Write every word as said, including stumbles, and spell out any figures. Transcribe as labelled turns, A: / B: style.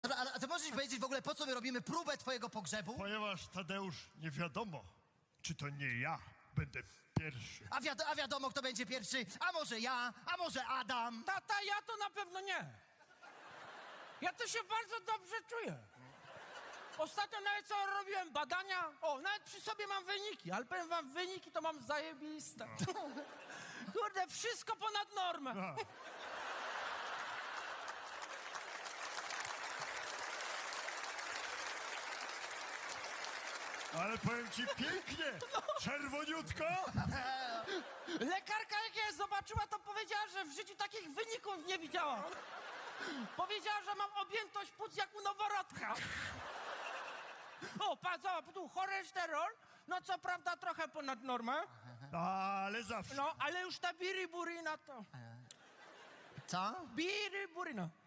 A: Dobra, ale a ty możesz mi powiedzieć w ogóle, po co my robimy próbę twojego pogrzebu?
B: Ponieważ, Tadeusz, nie wiadomo, czy to nie ja będę pierwszy.
A: A, wiad a wiadomo, kto będzie pierwszy? A może ja? A może Adam?
C: Tata, ja to na pewno nie. Ja to się bardzo dobrze czuję. Ostatnio nawet co robiłem badania, o, nawet przy sobie mam wyniki, ale powiem wam, wyniki to mam zajebiste. Kurde, wszystko ponad normę.
B: A. Ale powiem ci pięknie, czerwoniutko.
C: Lekarka jak je zobaczyła, to powiedziała, że w życiu takich wyników nie widziała. Powiedziała, że mam objętość płuc jak u noworodka. O, patrz, zobacz, tu cholesterol, no co prawda trochę ponad normę,
B: Ale zawsze.
C: no ale już ta biriburina to...
A: Co?
C: Biriburina.